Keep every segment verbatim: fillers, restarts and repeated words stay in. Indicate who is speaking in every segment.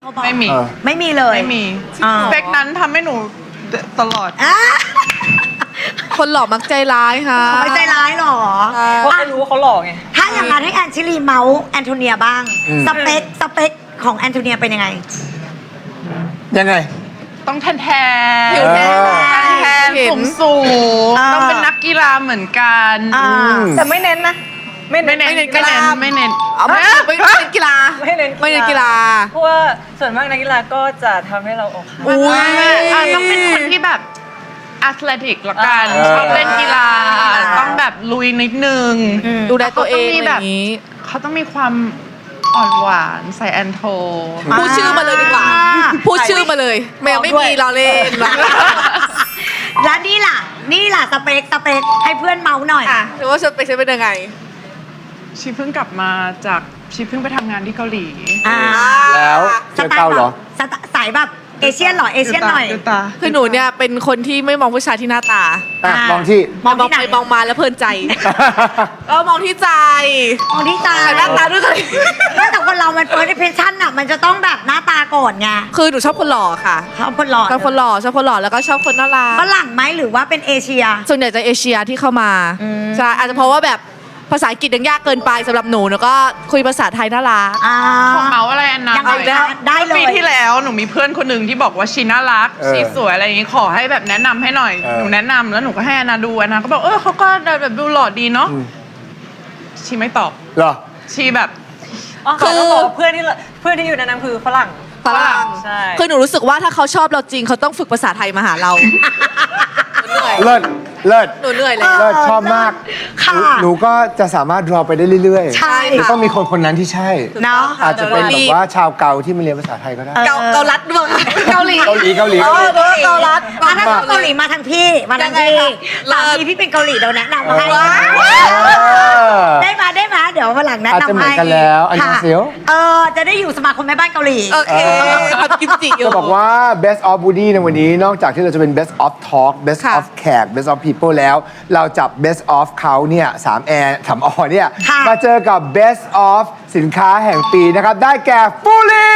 Speaker 1: ไม่มี
Speaker 2: ไม่มีเลย
Speaker 1: ไม่มีสเปคนั้นทำให้หนูตลอด
Speaker 3: คนหล่อมักใจร้ายค่ะ
Speaker 2: เขาไม่ใจร้ายหรอ
Speaker 4: เพราะรู้ว่าเขาหล่อไง
Speaker 2: ถ้าอย่างนั้นให้แอนชิลีเมาส์แอนโทเนียบ้างสเปคสเปคของแอนโทเนียเป็นยังไง
Speaker 5: ยังไง
Speaker 1: ต้องแทนแทนผิวแทนแทนสูงสูงต้องเป็นนักกีฬาเหมือนกัน
Speaker 4: แต่ไม่เน้นนะ
Speaker 1: ไม่เน้นไม่เน้นไม่เน้นไม่เน้น
Speaker 3: ไม่ไม่เน้นกีฬา
Speaker 4: ไม่เน้น
Speaker 3: ไม่เน้นกีฬา
Speaker 4: เพราะว่าส่วนมากนักกีฬาก็จะทำให้เราอกหัก
Speaker 1: ต้องเป็นคนที่แบบแอตเลติกละกันชอบเล่นกีฬาต้องแบบลุยนิดนึง
Speaker 3: ดูแลตัวเองแบบ
Speaker 1: เขาต้องมีความอ่อนหวานใส่แอนโท
Speaker 3: พูดชื่อมาเลยดีกว่าพูดชื่อมาเลยไม่ไม่มีเราเล่น
Speaker 2: แล้วนี่ล่ะนี่ล่ะสเปคสเปคให้เพื่อนเมาหน่อย
Speaker 3: หรือว่าสเปคใช้เป็นยังไง
Speaker 1: ชีเพิ่งกลับมาจากชีเพิ่งไปทำงานที่เกาหลี
Speaker 5: แล้วเจอเกาเหรอ
Speaker 2: สายแบบเอเชียนหรอเอเชียนหน่อย
Speaker 3: คือหนูเนี่ยเป็นคนที่ไม่มองผู้ชายที่หน้าต
Speaker 5: ามองที่
Speaker 3: มองไปมองมาแล้วเพลินใจเออมองที่ใจ
Speaker 2: มองที่ใจ
Speaker 3: หน้าตาด้วยกัน
Speaker 2: แต่คนเรามันเฟิร์สอิมเพรสชั่นอ่ะมันจะต้องแบบหน้าตาก่อนไง
Speaker 3: คือหนูชอบคนหล่อค่ะ
Speaker 2: ชอบคนหล่อ
Speaker 3: ชอบคนหล่อชอบคนหล่อแล้วก็ชอบคนน่ารัก
Speaker 2: ฝรั่งไหมหรือว่าเป็นเอเชีย
Speaker 3: ส่วนใหญ่จะเอเชียที่เข้ามาใช่อาจจะเพราะว่าแบบภาษาอังกฤษยังยากเกินไปสำหรับหนูแล้วก็คุยภาษาไทยน่ารัก
Speaker 1: ของเมาอะไรอันนั้น
Speaker 2: ได้เลย
Speaker 1: ปีที่แล้วหนูมีเพื่อนคนหนึ่งที่บอกว่าชีน่ารักชีสวยอะไรอย่างงี้ขอให้แบบแนะนำให้หน่อยหนูแนะนำแล้วหนูก็ให้อนาดูอนาก็บอกเออเขาก็แบบดูหล่อดีเนาะชีไม่ตอบ
Speaker 5: หรอ
Speaker 1: ชีแบบ
Speaker 4: คือเพื่อนที่เพื่อนที่อยู่ในนั้นคือฝรั่ง
Speaker 3: ฝรั่งใช่คือหนูรู้สึกว่าถ้าเขาชอบเราจริงเขาต้องฝึกภาษาไทยมาหาเรา
Speaker 5: เลิศเลิศ
Speaker 3: หนูเหนื่อยเลย
Speaker 5: เลิศชอบมากหนูก็จะสามารถรอไปได้เรื่อย
Speaker 2: ๆใช่
Speaker 5: จะต้องมีคนคนนั้นที่ใช่
Speaker 2: เนาะ
Speaker 5: อาจจะเป็นแบบว่าชาวเกาที่มาเรียนภาษาไทยก็ได้
Speaker 3: เกาเกาลัดด้วยเกาหลี
Speaker 5: เกาหลีเกาหลี
Speaker 3: เกาลัด
Speaker 2: มาทางเกาหลีมาทางพี่มาทางพี่สามีพี่เป็นเกาหลีเดี๋ยวแนะนำให้ได้มาได้มาเดี๋ยววันหลังแนะนำให้
Speaker 5: อาจจะเหมือนกันแล้วอันนี้เซียว
Speaker 2: เออจะได้อยู่สมาคมแม่บ้านเกาหลี
Speaker 3: โอเคทำกิมจิอยู่
Speaker 5: จะบอกว่า best of Woody ในวันนี้นอกจากที่เราจะเป็น best of talk best of แขก best of people แล้วเราจับ best of เขาเนี่ยสามแอร์สามอเนี่ยมาเจอกับ best of สินค้าแห่งปีนะครับได้แก่ฟูลี่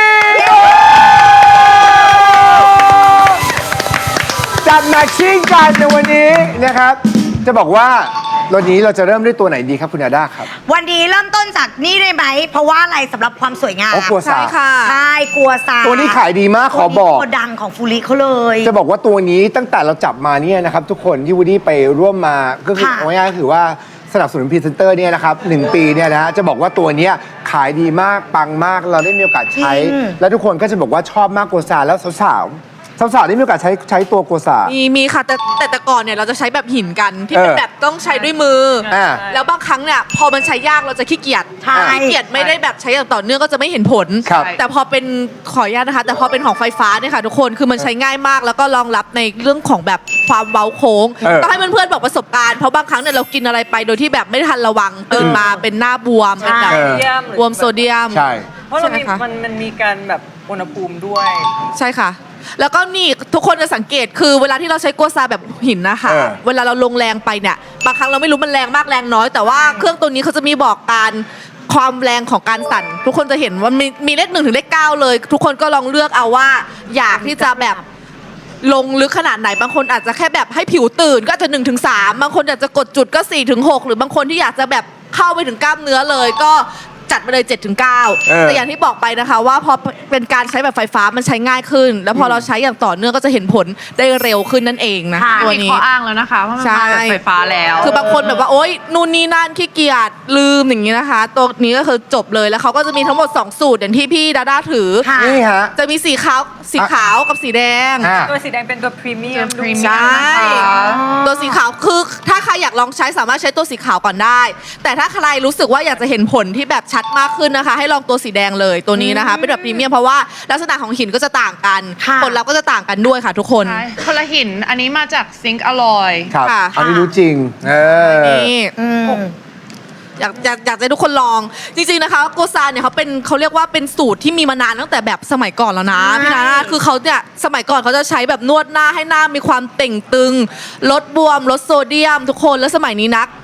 Speaker 5: จับแมทชิ่งกันในวันนี้นะครับจะบอกว่าวันนี้เราจะเริ่มด้วยตัวไหนดีครับคุณอาด้าครับ
Speaker 2: วันนี้เริ่มต้นจากนี่ได้ไหมเพราะว่าอะไรสำหรับความสวยงาม
Speaker 5: กัวซา
Speaker 2: ใช่กัวซา
Speaker 5: ตัวนี้ขายดีมากขอบอก
Speaker 2: ตัวดังของฟูริเขาเลย
Speaker 5: จะบอกว่าตัวนี้ตั้งแต่เราจับมาเนี่ยนะครับทุกคนที่วูดดี้ไปร่วมมาก็คือง่ายๆคือว่าสนับสนุนพรีเซนเตอร์เนี่ยนะครับหนึ่งปีเนี่ยนะฮะจะบอกว่าตัวนี้ขายดีมากปังมากเราได้มีโอกาสใช้แล้วทุกคนก็จะบอกว่าชอบมากกัวซาแล้วสาวสาวๆได้มีโอกาสใช้ใช้ตัวกัวซา
Speaker 3: มีมีค่ะแต่แต่แต่ก่อนเนี่ยเราจะใช้แบบหินกันที่เป็นแบบต้องใช้ด้วยมือแล้วบางครั้งเนี่ยพอมันใช้ยากเราจะขี้เกียจขี้เกียจไม่ได้แบบใช้อย่างต่อเนื่องก็จะไม่เห็นผลแต่พอเป็นขออนุญาตนะคะแต่พอเป็นของไฟฟ้าเนี่ยค่ะทุกคนคือมันใช้ง่ายมากแล้วก็รองรับในเรื่องของแบบความเว้าโค้งต้องให้เพื่อนๆบอกประสบการณ์เพราะบางครั้งเนี่ยเรากินอะไรไปโดยที่แบบไม่ทันระวังตื่นมาเป็นหน้าบวมเป็นแบบบวมโซเดียม
Speaker 5: ใช่
Speaker 4: เพราะเรามีมันมันมีการแบบอุณหภูมิด้วย
Speaker 3: ใช่ค่ะแล้วก็นี่ทุกคนจะสังเกตคือเวลาที่เราใช้กัวซาแบบหินนะคะเวลาเราลงแรงไปเนี่ยบางครั้งเราไม่รู้มันแรงมากแรงน้อยแต่ว่าเครื่องตัวนี้เขาจะมีบอกการความแรงของการสั่นทุกคนจะเห็นว่ามีมีเลขหนึ่งถึงเลขเก้าเลยทุกคนก็ลองเลือกเอาว่าอยากที่จะแบบลงลึกขนาดไหนบางคนอาจจะแค่แบบให้ผิวตื่นก็จะหนึ่งถึงสามบางคนอยากจะกดจุดก็สี่ถึงหกหรือบางคนที่อยากจะแบบเข้าไปถึงกล้ามเนื้อเลยก็จัดมาเลย เจ็ดถึงเก้า แต่อย่างที่บอกไปนะคะว่าพอเป็นการใช้แบบไฟฟ้ามันใช้ง่ายขึ้นแล้วพอเราใช้อย่างต่อเนื่องก็จะเห็นผลได้เร็วขึ้นนั่นเองนะ
Speaker 1: ตัวนี้มีข้ออ้างแล้วนะคะว่ามันมาแบบไฟฟ้าแล้ว
Speaker 3: คือบางคนแบบว่าโอ๊ยนู่นนี่นั่นขี้เกียจลืมอย่างนี้นะคะตัวนี้ก็คือจบเลยแล้วเขาก็จะมีทั้งหมดสองสูตรอย่างที่พี่ดาด้าถือ
Speaker 5: นี่ฮะ
Speaker 3: จะมีสีขาวสีขาวกับสีแดง
Speaker 4: ตัวสีแดงเป็นตัวพรีเมียม
Speaker 3: ใช่ตัวสีขาวคือถ้าใครอยากลองใช้สามารถใช้ตัวสีขาวก่อนได้แต่ถ้าใครรู้สึกว่าอยากจะเห็นผลที่แบบชัดมากขึ้นนะคะให้ลองตัวสีแดงเลยตัวนี้นะคะเป็นแบบพรีเมียมเพราะว่าลักษณะของหินก็จะต่างกันผลลัพธ์ก็จะต่างกันด้วยค่ะทุกคน
Speaker 1: คนละหินอันนี้มาจากซิงค์อลอย
Speaker 5: ครับอันนี้รู้จริงเออ
Speaker 3: นี่อยากอยากอยากให้ทุกคนลองจริงๆนะคะโกซาเนี่ยเขาเป็นเขาเรียกว่าเป็นสูตรที่มีมานานตั้งแต่แบบสมัยก่อนแล้วนะพี่นาคือเขาเนี่ยสมัยก่อนเขาจะใช้แบบนวดหน้าให้หน้ามีความเต่งตึงลดบวมลดโซเดียมทุกคนแล้วสมัยนี้นักข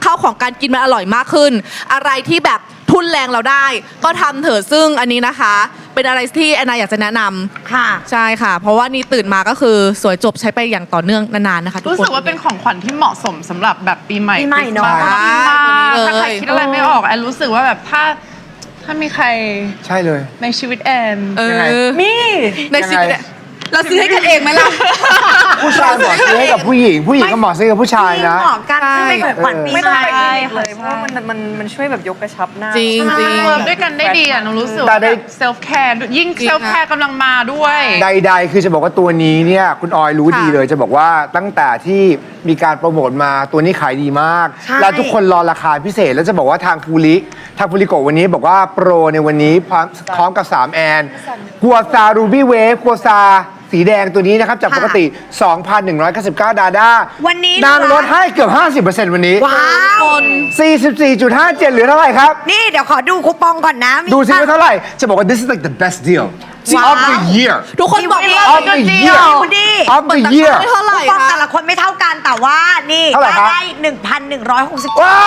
Speaker 3: ข้าวของการกินมันอร่อยมากขึ้น อะไรที่แบบทุนแรงเราได้ ก็ทำเถอะซึ่งอันนี้นะคะ เป็นอะไรที่แอนนาอยากจะแนะนำ
Speaker 2: ค่ะ
Speaker 3: ใช่ค่ะ เพราะว่านี่ตื่นมาก็คือสวยจบใช้ไปอย่างต่อเนื่องนานๆนะคะทุกคน
Speaker 1: รู้สึกว่าเป็นของขวัญที่เหมาะสมสำหรับแบบปีใหม่
Speaker 2: ปีใหม่เนอะ
Speaker 1: คริสต์มาส
Speaker 3: ใช่
Speaker 1: ถ้าใครคิดอะไรไม่ออกแอนรู้สึกว่าแบบถ้าถ้ามีใคร
Speaker 5: ใช่เลย
Speaker 1: ในชีวิตแอน
Speaker 3: เอ
Speaker 5: ยังไง
Speaker 3: อ
Speaker 4: มี
Speaker 3: ในชีวิต
Speaker 5: ยังไง
Speaker 3: เนี่ยเราซื้อให้กันเองไหมล่ะ
Speaker 5: ผู้ชายเหมาะซื้อให้กับผู้หญิง ผู้หญิงก็เหมาะซื้อกับผู้ชายนะ
Speaker 2: เหมาะกันซึ่งเป็นของขวัญปี
Speaker 4: ไม่
Speaker 2: ให
Speaker 4: ต้อง
Speaker 2: ม่
Speaker 4: ไปคลินิกเลยเพราะว่ามันมันมันช่วยแบบยกกระชับหน้า
Speaker 3: จริงจริง
Speaker 1: เวิร์กด้วยกันได้ดีอ่ะหนูรู้สึก
Speaker 5: แต่
Speaker 1: ว่า
Speaker 5: ได้
Speaker 1: แบบเซลฟ์แคร์ยิ่ง
Speaker 3: จริง
Speaker 1: เซลฟ์แคร์กำลังมาด้วย
Speaker 5: ใดๆ คือจะบอกว่าตัวนี้เนี่ยคุณออยรู้ดีเลย จะบอกว่าตั้งแต่ที่มีการโปรโมทมาตัวนี้ขายดีมาก
Speaker 2: ใช่
Speaker 5: แล้วทุกคนรอราคาพิเศษ แล้วจะบอกว่าทางฟูริทางฟูริโกะวันนี้บอกว่าโปรในวันนี้พร้อมพร้อมกับ สาม แอนกัวซารูบี้เวฟกัวซาสีแดงตัวนี้นะครับ จากปกติ สองพันหนึ่งร้อยเก้าสิบเก้า ดาด้า
Speaker 2: วันนี้
Speaker 5: นางลดให้เกือบ ห้าสิบเปอร์เซ็นต์ วันนี้
Speaker 2: ว้าว
Speaker 3: คน
Speaker 5: สี่สิบสี่จุดห้าเจ็ด เหลือเท่าไหร่ครับ
Speaker 2: นี่เดี๋ยวขอดูคูปองก่อนนะมี
Speaker 5: ดูซิว่าเท่าไหร่ จะบอกว่า this is like the best deal
Speaker 2: ว้าว
Speaker 5: of the year
Speaker 3: ทุกคนบอกว่า
Speaker 5: of the year
Speaker 2: ดูดิ
Speaker 5: of the year
Speaker 3: ไม่เท่าไหร่
Speaker 2: คูปอง
Speaker 3: คะ
Speaker 2: แต่ละคนไม่เท่ากันแต่ว่านี่
Speaker 5: เท่าไหร่ครับ
Speaker 2: ได้หนึ่งพันหนึ่งร้อยหกสิบ
Speaker 5: ว้าว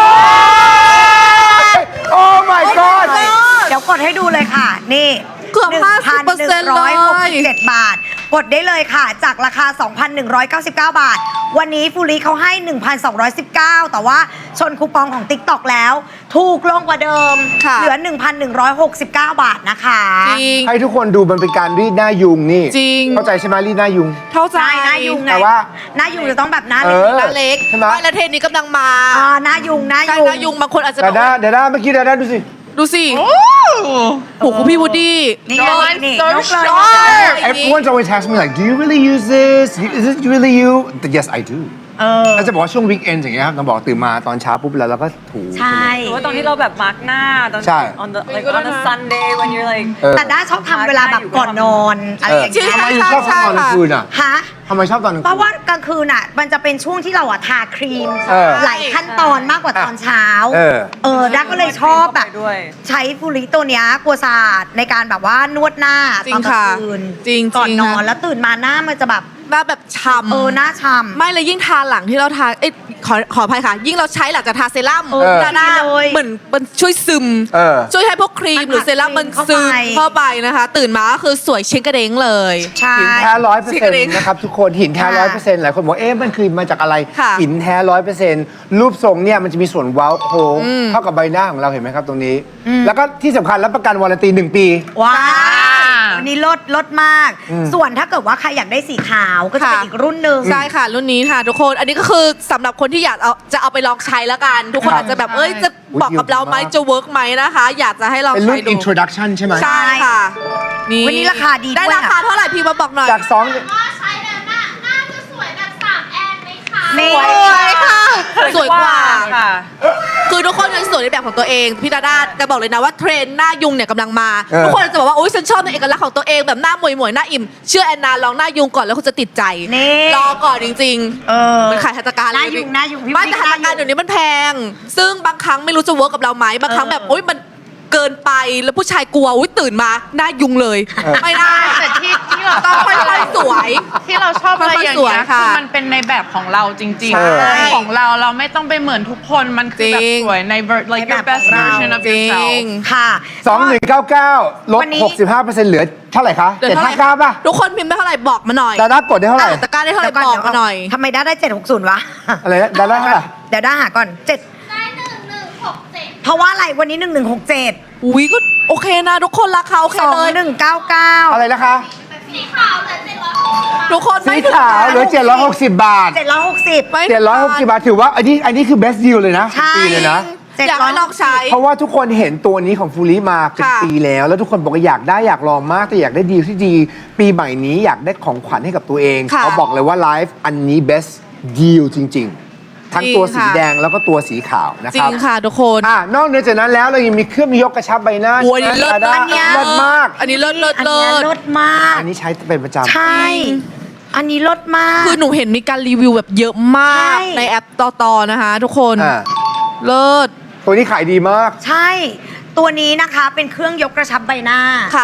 Speaker 5: oh my god
Speaker 2: เดี๋ยวกดให้ดูเลยค่ะ นี่
Speaker 3: เกือบ
Speaker 2: หนึ่งพันหนึ่งร้อยหกสิบเจ็ด บาท กดได้เลยค่ะ จากราคา สองพันหนึ่งร้อยเก้าสิบเก้า บาท วันนี้ฟูริเขาให้ หนึ่งพันสองร้อยสิบเก้า แต่ว่าชนคูปองของ TikTok แล้ว ถูกลงกว่าเดิม
Speaker 3: ค่ะ
Speaker 2: เหลือ หนึ่งพันหนึ่งร้อยหกสิบเก้า บาทนะคะ
Speaker 3: จริง
Speaker 5: ให้ทุกคนดูมันเป็นการรีดหน้ายุงนี่
Speaker 3: จริง
Speaker 5: เข้าใจใช่ไหมรีดหน้ายุง
Speaker 3: เข้าใจ
Speaker 2: ใช่หน้ายุงไง
Speaker 5: แต่ว่า
Speaker 2: หน้ายุงจะต้องแบบหน้า
Speaker 5: เอ
Speaker 2: เล็ก
Speaker 5: อ
Speaker 3: หน้าเล็ก
Speaker 5: ใช่ไหม
Speaker 3: ไม่แล้วเทรนนี้กำลังมา
Speaker 2: อ่าหน้ายุงหน้า
Speaker 3: ใช่
Speaker 2: ยุง
Speaker 3: หน้ายุงบางคนอาจจะบ
Speaker 5: ดา
Speaker 3: อก
Speaker 5: ด้า
Speaker 3: ว่า
Speaker 5: ดาด้าเมื่อกี้ดาด้าดูสิ
Speaker 3: ดูสิ
Speaker 1: โอ้
Speaker 3: โอ้โหคุณพี่วูดดี้
Speaker 2: นี่
Speaker 1: Your
Speaker 2: ไง
Speaker 1: line's
Speaker 2: นี่
Speaker 1: so
Speaker 2: นกเลย
Speaker 1: sharp
Speaker 5: everyone's always asking me like do you really use this is it really you yes I do
Speaker 2: เออ
Speaker 5: แล้วจะบอกว่าช่วงวีคเอนอย่างเงี้ยครับต้องบอกตื่นมาตอนเช้าปุ๊บแล้วเราก็ถู
Speaker 2: ใช่
Speaker 4: หรือว่าตอนที่เราแบบมาร์กหน้าตอน
Speaker 5: ใช่
Speaker 4: on the like on a Sunday when you're like
Speaker 5: เออ
Speaker 2: แต่ด้าชอบทำเวลาแบบก่อนนอนอะไรอย่าง
Speaker 3: จริ
Speaker 2: เงี้
Speaker 3: ง
Speaker 2: ย
Speaker 5: ทำไมถึงชอบทำตอนกลางคืนอ่ะ
Speaker 2: ฮะ
Speaker 5: ทำไมชอบตอนกลาง
Speaker 2: เพ
Speaker 5: คื
Speaker 2: ราะ
Speaker 5: น
Speaker 2: ว่ากลางคืนอ่ะ มันจะเป็นช่วงที่เราอ่ะทาครีม
Speaker 5: เออ
Speaker 2: หลายขั้นตอนมากกว่าตอนเช้า
Speaker 5: เออ
Speaker 2: เออด้าก็เลยชอบแบบ
Speaker 4: ด้วย
Speaker 2: ใช้ฟูริตัวเนี้ยกัวซาดในการแบบว่านวดหน้า
Speaker 3: จริ
Speaker 2: ตอง นกลา
Speaker 3: ค่ะ
Speaker 2: งคืน
Speaker 3: จริง
Speaker 2: ก่อน
Speaker 3: จริง
Speaker 2: นอน
Speaker 3: ค่ะ
Speaker 2: แล้วตื่นมาหน้ามันจะแบบ
Speaker 3: หน้าแบบฉ่ำ
Speaker 2: เออหน้าช้ำ
Speaker 3: ไม่เลยยิ่งทาหลังที่เราทาเอ้ยขอขออภัยค่ะ ยิ่งเราใช้หลังจากทาเซรั่ม
Speaker 2: เออ
Speaker 3: ดาด้า
Speaker 2: ดีเลย
Speaker 3: เหมือนมันช่วยซึม
Speaker 5: เออ
Speaker 3: ช่วยให้พวกครี
Speaker 2: มั
Speaker 3: ม
Speaker 2: น
Speaker 3: หรือเซรั่ม
Speaker 2: อัด
Speaker 3: มัน
Speaker 2: เข้า
Speaker 3: ซึม
Speaker 2: ไป
Speaker 3: เข้าไปนะคะ ตื่นมาก็คือสวยเช้งกระเด้งเลย
Speaker 2: ใช่
Speaker 5: หินแท้ร้อยเปอร์
Speaker 3: ชิค
Speaker 5: เซ็น
Speaker 3: เด้ง
Speaker 5: ต์นะครับทุกคนหินแท้ร้อยเปอร์เซ็นต์หลายคนบอกเอ๊ะมันคือมาจากอะไร
Speaker 3: ค่ะ
Speaker 5: หินแท้ร้อยเปอร์เซ็นต์รูปทรงเนี่ยมันจะมีส่วนเว้าโค้งเท่ากับใบหน้าของเราเห็นไหมครับตรงนี้ แล้วก็ที่สำคัญรับประกันวารันตีหนึ่งปี
Speaker 2: ว้า
Speaker 1: อ่า
Speaker 2: ววันนี้ลดลดมาก
Speaker 5: อืม
Speaker 2: ส่วนถ้าเกิดว่าใครอยากได้สีขาวก็จะเป็น
Speaker 3: ค่ะ
Speaker 2: อีกรุ่นหนึ่ง
Speaker 3: ใช่ค่ะ รุ่นนี้ค่ะ ทุกคนอันนี้ก็คือสำหรับคนที่อยากเอาจะเอาไปลองใช้แล้วกัน ทุกคน
Speaker 5: ครับ
Speaker 3: อาจจะแบบเอ้ยจะบอกกับเราไหมจะเวิร์กไหมนะคะ อยากจะให้ลอง
Speaker 5: เป็นรุ่
Speaker 3: ใช้
Speaker 5: น
Speaker 3: ดู
Speaker 5: introduction ใช่ไหม
Speaker 3: ใช่ค่ะนี่
Speaker 2: วันนี้ราคาดีด้วย
Speaker 3: ได้ราคาเท่าไหร่พี่มาบอกหน่อย
Speaker 5: จากสอง
Speaker 6: ว่าใช้แล้วหน้าหน้าจะสวยแบบสามแอนไหมคะ
Speaker 2: นี่
Speaker 3: สวยค่ะสวยกว่า
Speaker 4: ค่ะ
Speaker 3: คือทุกคนยังสวยในแบบของตัวเองพี่ดาด้าจะบอกเลยนะว่าเทรนด์หน้ายุงเนี่ยกำลังมา
Speaker 5: เออ
Speaker 3: ทุกคนจะบอกว่าโอ๊ยฉันชอบในเอกลักษณ์ของตัวเองแบบหน้าหมวยหมวยๆหน้าอิ่มเชื่อแอนนาลองหน้ายุงก่อนแล้วคุณจะติดใจ
Speaker 2: นี่
Speaker 3: รอก่อนจริง
Speaker 2: เออ
Speaker 3: ๆมันขายหัตถการ
Speaker 2: หน้ายุงหน้ายุงพี่
Speaker 3: ไม่
Speaker 2: พี่
Speaker 3: แต่หัตถการ
Speaker 2: หน้ายุง
Speaker 3: เดี๋ยวนี้มันแพง ซึ่งบางครั้งไม่รู้จะเวิร์กกับเราไหมบางครั้งแบบโอ๊ยมันเกินไปแล้วผู้ชายกลัวอุ๊ยตื่นมาหน้ายุงเลย
Speaker 5: เออ
Speaker 3: ไม่ได้
Speaker 1: แต่ที่ที่เรา
Speaker 3: ต้องค่อยๆสวย
Speaker 1: ที่เราชอบอะไรอย่าง
Speaker 3: สวย
Speaker 1: เงี้ย
Speaker 3: ค่ะ
Speaker 1: คือมันเป็นในแบบของเราจริง
Speaker 5: ใช่
Speaker 1: ๆของเราเราไม่ต้องไปเหมือนทุกคนมันคือแบบ
Speaker 3: จริง
Speaker 1: สวยใน ver- like
Speaker 2: ใน
Speaker 1: your
Speaker 2: แบบ
Speaker 1: best
Speaker 2: ของเรา
Speaker 1: version of
Speaker 3: จริ
Speaker 1: yourself
Speaker 3: ง
Speaker 2: ค่ะ
Speaker 5: สองหนึ่งเก้าเก้าลด
Speaker 2: วันนี้
Speaker 5: หกสิบห้าเปอร์เซ็นต์เหลือเท่าไหร่คะ
Speaker 3: เดี๋ยว
Speaker 5: เจ็ด
Speaker 3: เท่าไห
Speaker 5: ห้า
Speaker 3: ร่
Speaker 5: เก้าป่ะ
Speaker 3: ทุกคนพิมพ์ได้เท่าไหร่บอกมาหน่อย
Speaker 5: ดาด้ากดได้เท่าไหร่
Speaker 3: อ่ะตะกร้าได้เท่าไหร่บอกมาหน่อย
Speaker 2: ทำไมด้าได้เจ็ดหกศูนย์วะ
Speaker 5: อะไรนะดาด้าเท่าไหร่
Speaker 2: เดี๋ยวด้าหาก่อนเจ็ด
Speaker 6: ได้หนึ่งหนึ่งหกเจ็ด
Speaker 2: เพราะว่าอะไรวันนี้หนึ่งหนึ่งหกเจ็ด
Speaker 3: อุ้ยก็โอเคนะทุกคนราคาโอเค
Speaker 2: สอง
Speaker 3: เลย
Speaker 2: หนึ่งเก้าเก้า
Speaker 5: อะไรนะคะ
Speaker 6: สีขาวเหลือเจ็ดร้อยหกสิบบาท
Speaker 3: ทุกคน
Speaker 5: สี
Speaker 3: ไม่ถึง
Speaker 5: ขาวเหลือเจ็ดร้อยหกสิบบาท
Speaker 2: เจ็ดร้อยหกสิบ
Speaker 3: ไม่ถึง
Speaker 5: เจ็ดร้อยหกสิบบาทถือว่าอันนี้อันนี้คือ best deal เลยนะ
Speaker 2: ใช่
Speaker 5: ปีเลยนะ
Speaker 3: อยากให้ลองใช้
Speaker 5: เพราะว่าทุกคนเห็นตัวนี้ของฟูริมาเป็น
Speaker 3: ค่ะ
Speaker 5: ปีแล้ว แล้วทุกคนบอกว่าอยากได้อยากลองมากแต่อยากได้ดีลที่ดี ปีใหม่นี้อยากได้ของขวัญให้กับตัวเอง
Speaker 3: ค่ะ
Speaker 5: เขาบอกเลยว่าไลฟ์อันนี้ best deal จริง ๆ ทั้งตัว
Speaker 3: จริ
Speaker 5: สี
Speaker 3: งค่ะ
Speaker 5: แดงแล้วก็ตัวสีขาวนะ
Speaker 3: จ
Speaker 5: ค
Speaker 3: ริ
Speaker 5: รับ
Speaker 3: งค่ะทุกคน
Speaker 5: อ่านอกเหนือจากนั้นแล้วเรายังมีเครื่องยกกระชับใบหน้า
Speaker 3: โอ้ยอันนี้เลิศ
Speaker 5: ดาด้า
Speaker 2: อันเนี้ย
Speaker 5: เลิศมาก
Speaker 3: อันนี้เลิศเลิศ
Speaker 2: อัน
Speaker 3: เลิ
Speaker 2: เนี้ย
Speaker 3: ศ
Speaker 2: ลดมาก
Speaker 5: อันนี้ใช้เป็นประจำ
Speaker 2: ใช่ อันนี้ลดมาก
Speaker 3: คือหนูเห็นมีการรีวิวแบบเยอะมาก
Speaker 2: ใช่
Speaker 3: ในแอปต่อๆนะคะ ทุกคน
Speaker 5: อ่า
Speaker 3: เลิศ
Speaker 5: ตัวนี้ขายดีมาก
Speaker 2: ใช่ ตัวนี้นะคะเป็นเครื่องยกกระชับใบหน้า
Speaker 3: ค่ะ
Speaker 5: ครับ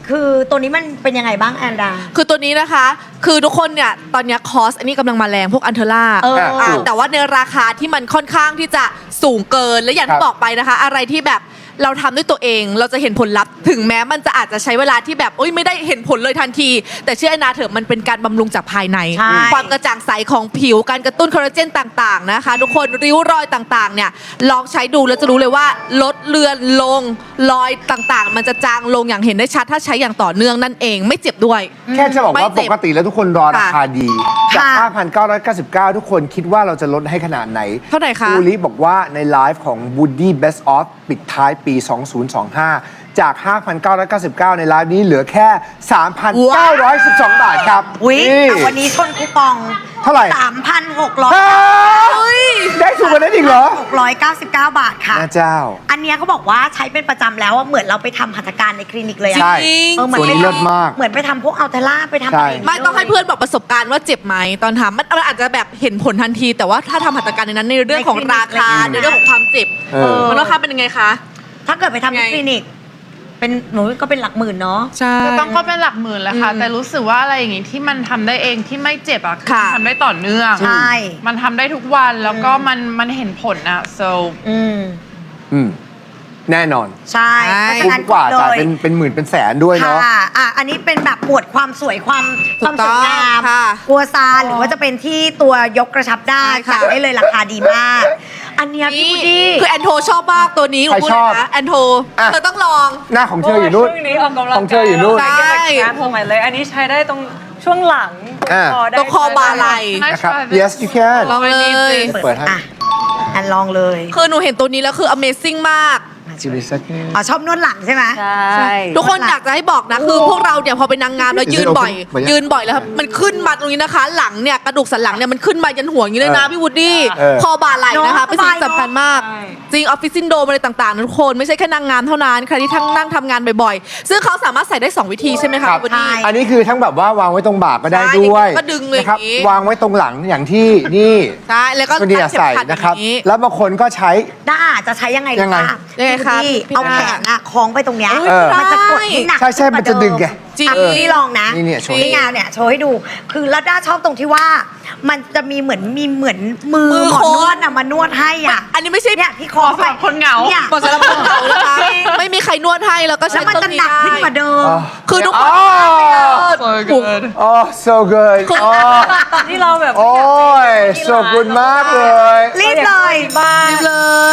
Speaker 2: คือตัวนี้มันเป็นยังไงบ้างแอนดา
Speaker 3: คือตัวนี้นะคะ คือทุกคนเนี่ย ตอนเนี้ยคอสอันนี้กำลังมาแรงพวกอันเทอร่า
Speaker 2: เออ
Speaker 3: อ่ะแต่ว่าในราคาที่มันค่อนข้างที่จะสูงเกิน และอย่าง
Speaker 5: ครั
Speaker 3: ที่
Speaker 5: บ
Speaker 3: บอกไปนะคะ อะไรที่แบบเราทำด้วยตัวเอง เราจะเห็นผลลัพธ์ถึงแม้มันจะอาจจะใช้เวลาที่แบบโอ๊ยไม่ได้เห็นผลเลยทันที แต่เชื่อแอนนาเถอะมันเป็นการบำรุงจากภายใน
Speaker 2: ใช่
Speaker 3: ความกระจ่างใสของผิวการกระตุ้นคอลลาเจนต่างๆนะคะ ทุกคนริ้วรอยต่างๆเนี่ยลองใช้ดูแล้วจะรู้เลยว่าลดเลือนลงรอยต่างๆ มันจะจางลงอย่างเห็นได้ชัดถ้าใช้อย่างต่อเนื่องนั่นเองไม่เจ็บด้วย
Speaker 5: แค่จะบอกว่า
Speaker 3: ไม่เจ็
Speaker 5: ป
Speaker 3: บ
Speaker 5: กติแล้วทุกคนรอราคาดี จาก
Speaker 2: ค่ะ
Speaker 5: ห้าพันเก้าร้อยเก้าสิบเก้า ทุกคนคิดว่าเราจะลดให้ขนาดไหน
Speaker 3: เท่าไหร่คะ
Speaker 5: อูริบอกว่าในไลฟ์ของ Woody Best of ปิดท้ายปี สองพันยี่สิบห้า จาก ห้าพันเก้าร้อยเก้าสิบเก้า ในไลฟ์นี้เหลือแค่ สามพันเก้าร้อยสิบสอง บาทครับ
Speaker 2: อุ๊ย
Speaker 5: นี่
Speaker 2: แต่วันนี้ชนคูปอง
Speaker 5: เท่าไหร่
Speaker 2: สามพันหกร้อย
Speaker 5: ฮะได้สูงกว่านั้นอีกเหรอ
Speaker 2: หกร้อยเก้าสิบเก้า บาทค่ะ
Speaker 5: แม่เจ้า
Speaker 2: อันเนี้ยเขาบอกว่าใช้เป็นประจำแล้วอะเหมือนเราไปทำหัตถการในคลินิกเลยอะ
Speaker 5: ใช่
Speaker 2: เออเหมือน
Speaker 5: ตัวนี้
Speaker 2: ไป
Speaker 5: เลิศมาก
Speaker 2: เหมือนไปทำพวกอัลเทล่าไปทำ
Speaker 5: ใช่
Speaker 2: อะไรย่า
Speaker 3: ไม่ต้องให้เพื่อนบอกประสบการณ์ว่าเจ็บไหมตอนทำมันมันอาจจะแบบเห็นผลทันที แต่ว่าถ้าทำหัตถการในนั้นในเรื่องของราคาในเรื่องของความเจ็บ
Speaker 5: เออ
Speaker 3: มันราคาเป็นยังไงคะ
Speaker 2: ถ้าเกิดไปทำที่
Speaker 3: ไง
Speaker 2: คลินิก เป็นหนูก็เป็นหลักหมื่นเนาะ
Speaker 3: ใช่
Speaker 1: ก็ต้องก็เป็นหลักหมื่นแหละค่ะ
Speaker 3: อืม
Speaker 1: แต่รู้สึกว่าอะไรอย่างงี้ที่มันทำได้เองที่ไม่เจ็บอ่ะคือ
Speaker 3: ค่ะ
Speaker 1: ทำได้ต่อเนื่อง
Speaker 2: ใช่
Speaker 1: มันทำได้ทุกวันแล้วก็มันมันเห็นผลอ่ะ so
Speaker 2: อืม
Speaker 5: อืมแน่นอน
Speaker 2: ใช่
Speaker 3: ใช่
Speaker 2: เพราะฉะ
Speaker 5: คุ้ม
Speaker 2: นั้น
Speaker 5: กว่า
Speaker 2: เล
Speaker 5: จ่าย
Speaker 2: ย
Speaker 5: เป็นเป็นหมื่นเป็นแสนด้วยเนาะ
Speaker 2: ค่ะอ่ะ อันนี้เป็นแบบหมวดความสวยความความสวยงาม
Speaker 3: ค่ะ
Speaker 2: กัวซาหรือว่าจะเป็นที่ตัวยกกระชับได้
Speaker 3: ใช่ค่ะ
Speaker 2: จัดได้เลยราคาดีมาก อันเนี้ยพี่บูดดี้
Speaker 3: คือแอนโทชอบมากตัวนี้หนู
Speaker 5: ใคร
Speaker 3: พูด
Speaker 5: ช
Speaker 3: เล
Speaker 5: อบ
Speaker 3: ยนะแอนโท
Speaker 5: อ่ะ
Speaker 3: เธอต้องลอง
Speaker 5: หน้าของเธออยู่นู่น
Speaker 4: ช่วงนี้ออกกำลัง
Speaker 5: ของเธออยู่นู่น
Speaker 4: กาย งานสมัยเลย อันนี้ใช้ได้ตรงช่วงหลังตรง
Speaker 5: อ่า
Speaker 4: คอได้
Speaker 3: ตรงคอบาไหล่
Speaker 5: นะครับ
Speaker 1: Nice try
Speaker 5: yes you can
Speaker 3: ลองเลย
Speaker 5: เปิดให้
Speaker 2: อ่ะ อันลองเลย
Speaker 3: คือหนูเห็นตัวนี้แล้วคือ Amazing มาก
Speaker 5: จิบิสัก
Speaker 2: อ๋อชอบนวดหลังใช่ไหม
Speaker 4: ใช่
Speaker 3: ทุกคนอยากจะให้บอกนะ คือพวกเราเนี่ยพอเป็นนางงามแล้วยืนบ่อย
Speaker 5: เดี๋ยว
Speaker 3: ยืนบ่อยแล้วครับมันขึ้นมาตรงนี้นะคะ หลังเนี่ยกระดูกสันหลังเนี่ยมันขึ้นมายันหัวอย่างนี้เลยนะ
Speaker 5: เออ
Speaker 3: พี่วูดดี้
Speaker 5: เออ
Speaker 3: คอบ่าไหล่นะคะ
Speaker 2: เนอะ
Speaker 3: เป็นสิ่งสำคัญมาก
Speaker 4: ใช่
Speaker 3: จริงออฟฟิศซินโดรมอะไรต่างๆนะทุกคนไม่ใช่แค่นางงามเท่านั้นใครที่ทั้งนั่งทำงานบ่อยๆ ซึ่งเขาสามารถใส่ได้สองวิธีใช่ไหมคะ
Speaker 5: ครับ
Speaker 3: พี่วูดดี้
Speaker 5: อันนี้คือทั้งแบบว่าวางไว้ตรงบ่าก็ได้
Speaker 3: ใช่
Speaker 5: ด้วย
Speaker 3: ก็ดึงเลย
Speaker 5: นะครับ
Speaker 3: อย่างนี้
Speaker 5: วางไว้ตรงหลังอย่างที่นี่
Speaker 3: ใช่แล้วก็
Speaker 5: คนดีอะใส่นะครับ
Speaker 3: อย่างนี้
Speaker 5: แล้วบางคนก็ใช้
Speaker 2: ด้าจะใช้ยังไง
Speaker 5: ยังไง
Speaker 3: ยังไงคะ
Speaker 2: พี่
Speaker 3: พี่
Speaker 2: เอา
Speaker 3: ด้า
Speaker 2: แขนอะคล้องไปตรงเนี้ย
Speaker 3: เออ
Speaker 2: มันจะกดให้หนัก
Speaker 5: ใช่ใช่มันจะดึงไง
Speaker 3: จริง
Speaker 2: อ่ะพี่ลองนะ
Speaker 5: นี่เนี่ยโชว์
Speaker 2: นี่ไงเนี่ยโชว์ให้ดู คือแล้วด้าชอบตรงที่ว่า มันจะมีเหมือนมีเหมือนมือ
Speaker 3: มือ
Speaker 2: หมอ
Speaker 3: คน
Speaker 2: นวดอะมานวดให้อ่ะ
Speaker 3: อันนี้ไม่ใช่
Speaker 2: เนี่ยที่คอ
Speaker 1: สำหรับคนเหงา
Speaker 2: เนี่ย
Speaker 3: ก่อนสำหรับคนเหงานะคะ ไม่มีใครนวดให้แล้วก็
Speaker 2: แล้
Speaker 3: ใช้
Speaker 2: วมัน
Speaker 3: ตร
Speaker 2: จะ
Speaker 3: งนี้
Speaker 2: หนัก
Speaker 3: ได้
Speaker 2: ขึ้นกว่าเดิม
Speaker 5: อ๋อ
Speaker 3: คือทุกคน
Speaker 5: อ๋อ
Speaker 1: so good
Speaker 5: อ๋อ so good อ๋อ
Speaker 4: ที่เราแบบ
Speaker 5: โอ้ย so good มากเลย
Speaker 2: รีบเลย
Speaker 4: บ้าน
Speaker 3: เลย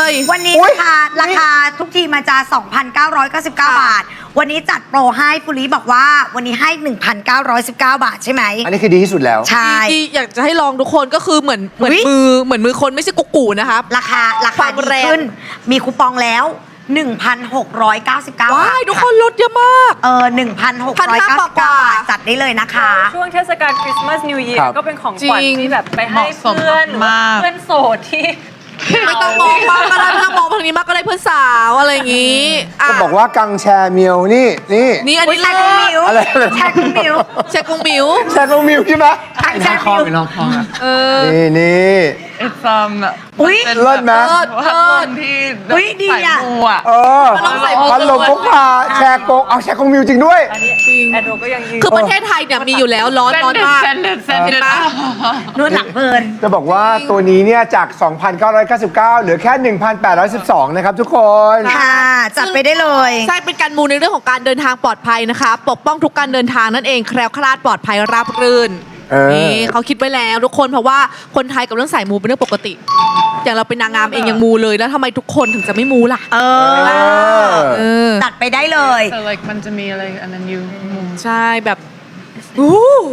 Speaker 2: วันนี้
Speaker 5: อุ๊ย
Speaker 2: ราคาราคาทุกทีมันจะ สองพันเก้าร้อยเก้าสิบเก้า บาท วันนี้จัดโปรให้ปุริบอกว่าวันนี้ให้ หนึ่งพันเก้าร้อยสิบเก้า บาทใช่ไหม
Speaker 5: อันนี้คือดีที่สุดแล้ว
Speaker 2: ใช่
Speaker 3: ที่อยากจะให้ลองทุกคนก็คือเหมือนเหมือน
Speaker 2: อุ๊ย
Speaker 3: มือเหมือนมือคนไม่ใช่กุ๊กกูนะครับ
Speaker 2: ราคารา
Speaker 3: ค
Speaker 2: คาว
Speaker 3: าม
Speaker 2: ดี
Speaker 3: แรง
Speaker 2: ขึ้น มีคูปองแล้ว หนึ่งพันหกร้อยเก้าสิบเก้า
Speaker 3: ว้า
Speaker 2: บาท
Speaker 3: ยทุกคนลดเยอะมาก
Speaker 2: เออหนึ่งพันหกร้อยเก้าสิบเก้า บาท จัดได้เลยนะคะ
Speaker 4: ช่วงเทศกาลคริสต์มาสนิว e ย r
Speaker 5: ครับ
Speaker 4: ก็เป็นของขวัญ
Speaker 3: จริง
Speaker 4: ที่แบบไปให้
Speaker 1: เหมาะสม
Speaker 4: เพื่อนหรือว่าม
Speaker 1: าก
Speaker 4: เพื่อนโสดที่
Speaker 3: ไม่ต้องมองมากก็ได้ไม่ต้องมองทางนี้มากก็ได้เพื่อนสาวอะไรอย่างนี้ะ
Speaker 5: ก็บอกว่ากังแชร์เมียวนี่นี่
Speaker 3: นี่อัน
Speaker 2: อุ๊ย
Speaker 3: นี้
Speaker 2: แชร์กุ้งมิว
Speaker 5: อะไรอะไร
Speaker 2: แชร์กุ้งมิว
Speaker 3: แชร์กรุงบิว
Speaker 5: แชร์ลงมิวใช่ไหม
Speaker 2: แชร์กุ้งมิว
Speaker 3: เออ
Speaker 5: นี่นี่
Speaker 1: it's um
Speaker 2: อุ๊ย
Speaker 1: มันเป็น
Speaker 5: เลิศไหม
Speaker 1: แบบพัดลมที่
Speaker 2: อุ๊ยดีอะ
Speaker 1: ใส่หมูอ่ะ
Speaker 5: เออ
Speaker 3: มันต้องใส่
Speaker 5: พัดลมพกพาแชร์โกงเอาแชร์กงมิวจริงด้วย
Speaker 4: อันนี้
Speaker 3: จริง
Speaker 4: แอนโดก็ยังยืน
Speaker 3: คือประเทศไทยเนี่ยมีอยู่แล้วร้อน
Speaker 1: เซน
Speaker 3: ร้อน
Speaker 1: เด็ด
Speaker 3: มาก
Speaker 1: เซนเด็ดเซนเด็ด
Speaker 2: นวดหลังเพลิน
Speaker 5: จะบอกว่าตัวนี้เนี่ยจาก สองพันเก้าร้อยเก้าสิบเก้า เหลือแค่ หนึ่งพันแปดร้อยสิบสอง นะครับทุกคน
Speaker 2: ค่ะ จัดไปได้เลย
Speaker 3: ใช่เป็นการมูในเรื่องของการเดินทางปลอดภัยนะคะ ปกป้องทุกการเดินทางนั่นเองแคล้วคลาดปลอดภัยราบรื่น
Speaker 5: เออ
Speaker 3: นี่เขาคิดไว้แล้วทุกคนเพราะว่าคนไทยกับเรื่องสายมูเป็นเรื่องปกติ อย่างเราเป็นนางงามเองยังมูเลยแล้วทำไมทุกคนถึงจะไม่มูล่ะ
Speaker 2: เออ
Speaker 3: เออ
Speaker 2: จัดไปได้เลย
Speaker 1: แต่ like มันจะมีอะไรอันนั้นอยู่มุม
Speaker 3: ใช่แบบอู้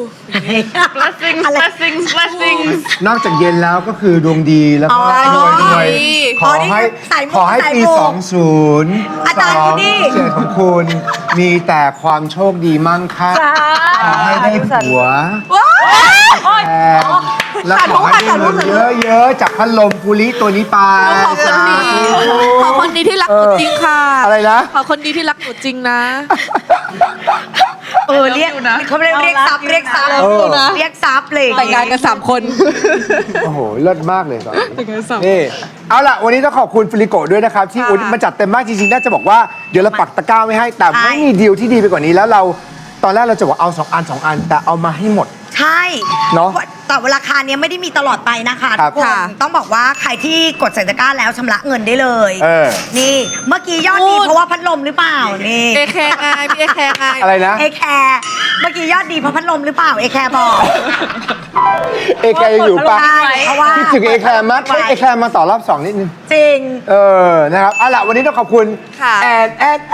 Speaker 1: blessings
Speaker 2: อะไร
Speaker 1: blessings blessings
Speaker 5: นอกจากเย็นแล้วก็คือดวงดีแล้วก็
Speaker 2: อ๋อ
Speaker 5: รวยรวยขอให้
Speaker 2: สายมู
Speaker 5: ขอให้
Speaker 2: สาย
Speaker 5: ปี
Speaker 2: มู
Speaker 5: สองศูนย์
Speaker 2: อาจารย์
Speaker 5: สอง
Speaker 2: นี่
Speaker 5: เจ็ดของคุณ มีแต่ความโชคดีมั่งคั่งขอให้ได้ผัวแฟนแล้วขอให้ได้เงินเยอะๆจากพัดลมปุริตัวนี้ไป
Speaker 3: ขอคนดีขอคนดีที่รักหนูจริงค่ะ
Speaker 5: อะไรนะ
Speaker 3: ขอคนดีที่รักหนูจริงนะ
Speaker 2: เออเรียก
Speaker 1: อยู่นะ
Speaker 2: เขาเรียกเรียกซับเรียกซับ
Speaker 5: เออ
Speaker 2: เรียกซับเลย
Speaker 3: แต่งงานกันสามคน
Speaker 5: โอ้โหเลิศมากเลยตอนนี้นี่เอาล่ะวันนี้ต้องขอบคุณฟิลิโกด้วยนะครับ ที่อุ๊ยมาจัดเต็มมากจริงๆน่าจะบอกว่าเดี๋ยวเราปักตะกร้าไว้ให้ แต่ไม่มีดีลที่ดีไปกว่านี้แล้วเราตอนแรกเราจะบอกเอาสองอันสองอัน แต่เอามาให้หมด
Speaker 2: ใช่
Speaker 5: เนอะ
Speaker 2: แต่ว่าราคาเนี้ยไม่ได้มีตลอดไปนะคะ
Speaker 5: ครั
Speaker 2: ทุ
Speaker 5: บ
Speaker 2: กคน
Speaker 3: ค่ะ
Speaker 2: ต้องบอกว่าใครที่กดใส่ตะกร้าแล้วชำระเงินได้เลย
Speaker 5: เออ
Speaker 2: นี่เมื่อกี้ยอดดี
Speaker 3: พูด
Speaker 2: เพราะว่าพัดลมหรือเปล่านี่
Speaker 3: เอแคร์ไงพี่เอแคร์ไง
Speaker 5: อะไรนะ
Speaker 2: เอแคร์เมื่อกี้ยอดดีเพราะพัดลมหรือเปล่าเอแคร์บอก
Speaker 5: เอแคร์ยังอยู่ปะ
Speaker 2: ใช่เพราะว่า
Speaker 5: คิดถึงเอแคร์มากเอแคร์มาต่อรอบสองนิดนึง
Speaker 2: จริง
Speaker 5: เออนะครับเอาล่ะวันนี้ต้องขอบคุณ
Speaker 3: ค่ะ
Speaker 5: แอนแอนแอน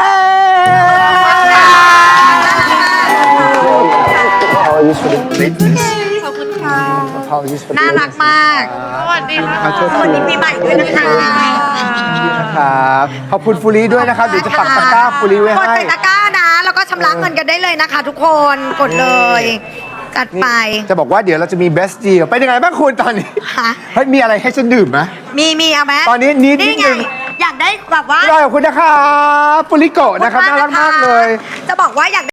Speaker 5: Apologies for the lateness
Speaker 3: ขอบคุณค่ะ
Speaker 5: Apologies for the
Speaker 2: น่ารักมาก
Speaker 1: สวัสดีค่ะ
Speaker 5: ขอโทษ
Speaker 2: สวัสดีปีใหม่ด้วยนะคะ
Speaker 5: นะครับขอบคุณฟูรีด้วยนะครับ เดี๋ยวจะปักตะกร้าฟูรีไว้
Speaker 2: กด
Speaker 5: ให้
Speaker 2: ใส่ตะกร้านะ แล้วก็ชำระเงินกันได้เลยนะคะ ทุกคนกดเลย จัดไป
Speaker 5: จะบอกว่าเดี๋ยวเราจะมี best deal เป็นยังไงบ้างคุณตอนนี้
Speaker 2: ฮะ
Speaker 5: เฮ้ยมีอะไรให้ฉันดื่มไหม
Speaker 2: มีมีเอาไหม
Speaker 5: ตอนนี้นิดนิด
Speaker 2: ไง
Speaker 5: นึง
Speaker 2: อยากได้แบบว่า
Speaker 5: ขอบคุณนะครับฟูริโกะนะครับน่ารักมากเลย
Speaker 2: จะบอกว่าอยาก